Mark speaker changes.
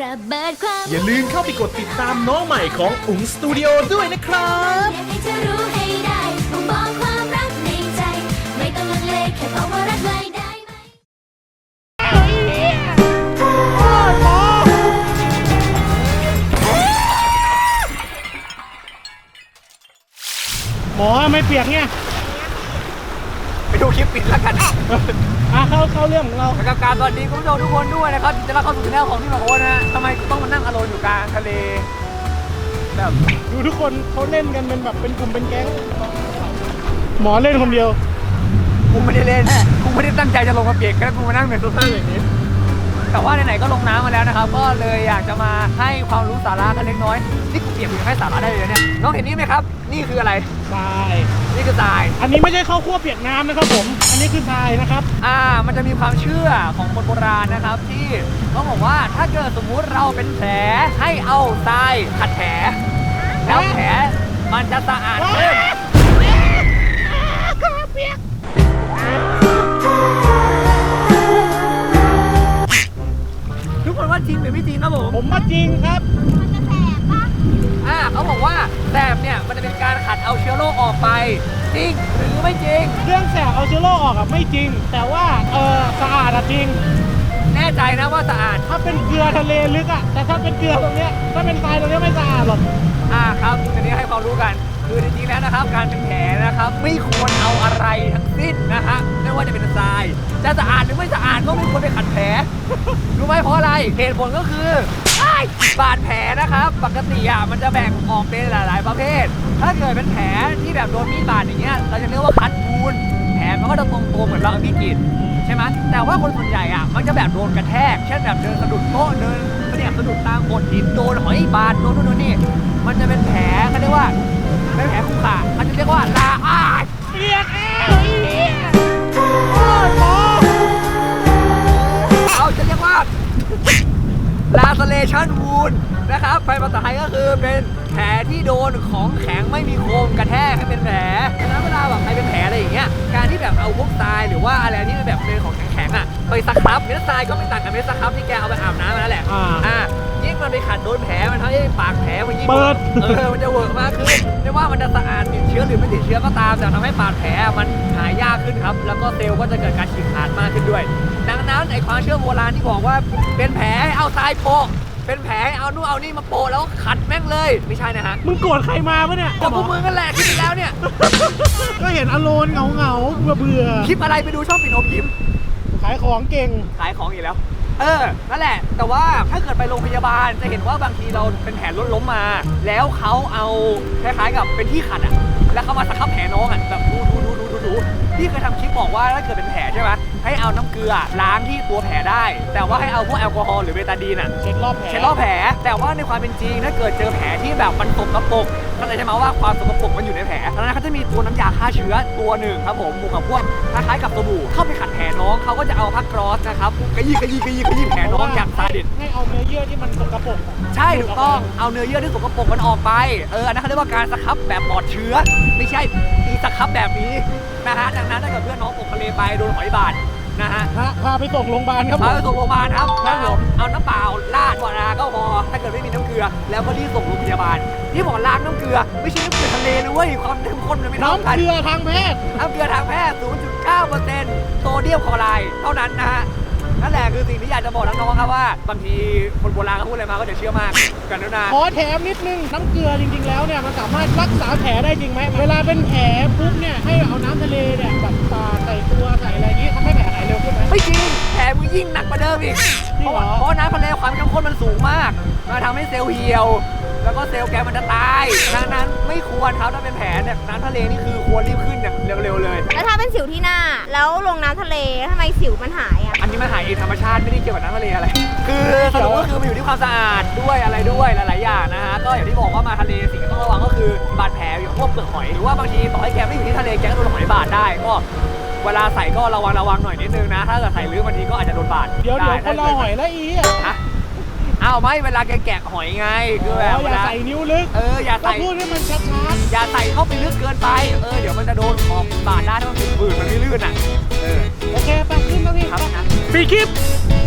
Speaker 1: ระเบิดความ
Speaker 2: อย่าลืมเข้าไปกดติดตามน้องใหม่ของอุ๋งสตูดิโอด้วยนะครับ
Speaker 1: อยากให้เธอรู้ให้ได้บอกความรักในใจ ไม่ต้องลังเลแค่บอกว่ารักเลยได้ไหม
Speaker 3: หมอไม่เปียกเนี่ย
Speaker 4: ไปดูคลิปปิดแล้วกัน
Speaker 3: เข้าเรื่องของเรา
Speaker 4: กับการสวัสดีคุณผู้ชมทุกคนด้วยนะครับจะรับเข้าสู่ช่องของพี่หมอโอ๊ตนะฮะทำไมกูต้องมานั่งอโลนอยู่กลางทะเลแบบ
Speaker 3: ดูทุกคนเขาเล่นกันเป็นแบบเป็นกลุ่มเป็นแก๊งหมอเล่นคนเดียว
Speaker 4: กูไม่ได้เล่นกูไม่ได้ตั้งใจจะลงมาเปียกแค่กูมานั่งในโซฟาอย่างนี้แต่ว่าไหนๆก็ลงน้ำมาแล้วนะครับก็เลยอยากจะมาให้ความรู้สาระกันเล็กน้อยนี่กูเปียกกูยังให้สาระได้เลยเนี่ยน้องเห็นนี่ไหมครับนี่คืออะไร
Speaker 3: ทราย
Speaker 4: นี่คือทราย
Speaker 3: อันนี้ไม่ใช่ข้าวคั่วเปียกน้ำนะครับผม อันนี้คือทรายนะครับ
Speaker 4: มันจะมีความเชื่อของคนโบราณนะครับที่ต้องบอกว่าถ้าเกิดสมมุติเราเป็นแผลให้เอาทรายขัดแผลแล้วแผลมันจะสะอาดขึ้นทุกคนว่าจริงหรือไม่จริงครับผม
Speaker 3: ผมว่าจริงครับ
Speaker 4: เขาบอกว่าแสบเนี่ยมันจะเป็นการขัดเอาเชื้อโรคออกไปจริงหรือไม่จริง
Speaker 3: เรื่องแสบเอาเชื้อโรคออกอะไม่จริง แต่ว่าสะอาดอะจริง
Speaker 4: แน่ใจนะว่าสะอาด
Speaker 3: ถ้าเป็นเกลือทะเลลึกอะแต่ถ้าเป็นเกลือตรงเนี้ยถ้าเป็นทรายตรงเนี้ยไม่สะอาดหรอก
Speaker 4: ครับทีนี้ให้ความรู้กันคือจริงๆแล้วนะครับการเป็นแผลนะครับไม่ควรเอาอะไรทั้งสิ้นนะฮะไม่ว่าจะเป็นทรายจะสะอาดหรือไม่สะอาดก็ไม่ควรไปขัดแผล รู้ไหมเพราะอะไรเหตุผลก็คือบาดแผลนะครับปกติมันจะแบ่งออกเป็นหลายๆประเภท ถ้าเกิดเป็นแผลที่แบบโดนมีดบาดอย่างเงี้ยเราจะเรียกว่าคัดวูนแผลมันก็จะตรงๆเหมือนเราเอามีดกรีดใช่ไหมแต่ว่าคนส่วนใหญ่มันจะแบบโดนกระแทกเช่นแบบเดินสะดุดโต๊ะเดินสะดุดตามโขดหินโดนหอยบาดโดนนู่นนี่มันจะเป็นแผลเขาเรียกว่าเป็นแผลคุกขาเขาจะเรียกว่าลา
Speaker 3: เปียก
Speaker 4: เขาจะเรียกว่า laceration wound นะครับภาษาไทยก็คือเป็นแผลที่โดนของแข็งไม่มีโคมกระแทกให้เป็นแผลดังนั้นเวลาแบบใครเป็นแผลอะไรอย่างเงี้ยการที่แบบเอาพวกทรายหรือว่าอะไรที่แบบเป็นของแข็งๆไปสครับเม็ดทรายก็ไม่ต่างกับเม็ดสครับที่แกเอาไปอาบน้ำมาแล้วแหละยิ่งมันไปขัดโดนแผลมันทำให้ปากแผลมันยิ่ง
Speaker 3: เปิด
Speaker 4: มันจะเวิร์กมากขึ้นไม่ว่ามันจะสะอาดติดเชื้อหรือไม่ติดเชื้อก็ตามแต่ทำให้บาดแผลมันหายยากขึ้นครับแล้วก็เซลล์ก็จะเกิดการฉีกขาดมากขึ้นด้วยดังนั้นไอ้ความเชื่อโบราณที่บอกว่าเป็นแผลให้เอาทรายโปะเป็นแผลให้เอานู่นเอานี่มาโปะแล้วขัดแม่งเลยไม่ใช่นะฮะ
Speaker 3: มึงโกรธใครมาปะเนี่ย
Speaker 4: กับพวกมึงกันแหละคลิปที่แล้วเนี่ย
Speaker 3: ก็เห็นอโลนเหงาเบื่อ
Speaker 4: คลิปอะไรไปดูช่องปิ่นอมยิ้ม
Speaker 3: ขายของเก่ง
Speaker 4: ขายของอีกแล้วนั่นแหละแต่ว่าถ้าเกิดไปโรงพยาบาลจะเห็นว่าบางทีเราเป็นแผลล้มมา แล้วเขาเอาคล้ายๆกับเป็นที่ขัดแล้วเขามาสครับแผลน้องแบบดูพี่เคยทำคลิปบอกว่าถ้าเกิดเป็นแผลใช่ไหมให้เอาน้ำเกลือล้างที่ตัวแผลได้ แต่ว่าให้เอาพวกแอลกอฮอล์หรือเบตาดีน
Speaker 3: เช็ดรอบ
Speaker 4: แผลแต่ว่าในความเป็นจริงถ้าเกิดเจอแผลที่แบบมันสกปรกก็เลยใช่ไหมว่าความสกปรกมันอยู่ในแผลดังนั้นเขาจะมีตัวน้ำยาฆ่าเชื้อตัวหนึ่งครับผมบวกกับพวกคล้ายๆกับสบู่เข้าไปขัดแผลน้องเขาก็จะเอาผ้ากรอสนะครับกระยี่แผลน้องอย่างซาดิส
Speaker 3: ให้เอาเนื้อเยื่อที่มันสกปรก
Speaker 4: ใช่ถูกต้องเอาเนื้อเยื่อที่สกปรกมันออกไปอันนั้นเขาเรียกว่าการสครับแบบปลอดเชื้อไม่ใช่อีสครับแบบนี้นะฮะดังนั้นถ้าเกิดเพื่อนน้องตกทะเลไปโดนหอยบาดนะฮะ
Speaker 3: พาไปส่งโรงพยาบาลครับ
Speaker 4: พาไปส่งโรงพยาบาลครับเอาน้ำเปล่าราดวาราก็พอถ้าเกิดไม่มีน้ำเกลือแล้วก็รีบส่งโรงพยาบาลที่บอกล้างน้ำเกลือไม่ใช่น้ำเกลือทะเลนะเว้ยความเข้มข้นมันไม่เท่ากัน
Speaker 3: น้ำเกลือทางแพทย์
Speaker 4: 0.9% โซเดียมคลอไรด์เท่านั้นนะฮะนั่นแหละคือสิ่งที่อยากจะบอกน้องๆครับว่าบางทีคนโบราณเขาพูดอะไรมาก็จะเชื่อมากกันนะ
Speaker 3: ขอแถมนิดนึงน้ำเกลือจริงๆแล้วเนี่ยมันสามารถรักษาแผลได้จริงไหมเวลาเป็นแผลปุ๊บเนี่ยให้เอาน้ำทะเลเนี่ยแบบปาใส่ตัวใส่อะไรอย่างนี้ทำให้แผลหายเร็วขึ้นไหม
Speaker 4: ไม่จริงแผลมันยิ่งหนักกว่าเดิมอีกเพราะน้ำทะเลความเข้มข้นมันสูงมากมันทำให้เซลล์เหี่ยวแล้วก็เซลล์แกมันจะตายดังนั้นไม่ควรครับถ้าเป็นแผลเนี่ยน้ำทะเลนี่คือควรรีบขึ้นอย่างเร็วๆเลย
Speaker 5: แล้วถ้าเป็นสิวที่หน้าแล้วลงน้ำทะเลทำไมสิวมันหาย
Speaker 4: อันนี้มันหายเองธรรมชาติไม่ได้เกี่ยวกับน้ำทะเลอะไรคือสรุปก็คือมันอยู่ที่ความสะอาดด้วยอะไรด้วยหลายๆอย่างนะฮะก็อย่างที่บอกว่ามาทะเลสิ่งที่ต้องระวังก็คือบาดแผลอย่างพวกเปลือกหอยหรือว่าบางทีต่อให้แกไม่อยู่ที่ทะเลแกก็โดนหอยบาดได้ก็เวลาใส่ก็ระวังหน่อยนิดนึงนะถ้าเกิดใส่ลึกบางทีก็อาจจะโดนบาด
Speaker 3: เดี๋ยวคนเราหอยแล้ว
Speaker 4: ไม่เวลาแกแกะหอยไงคือแบบ
Speaker 3: อย่าใส่นิ้วลึก
Speaker 4: อย่าใส่
Speaker 3: พูดให้มันชัด
Speaker 4: อย่าใส่เข้าไปลึกเกินไปเดี๋ยวมันจะโดนของบาดได้ถ้ามันฝืดมันไม่ลื่น
Speaker 3: โอเคไปขึ้นแล้วพี่
Speaker 4: ครับนะ
Speaker 3: ปีคลิป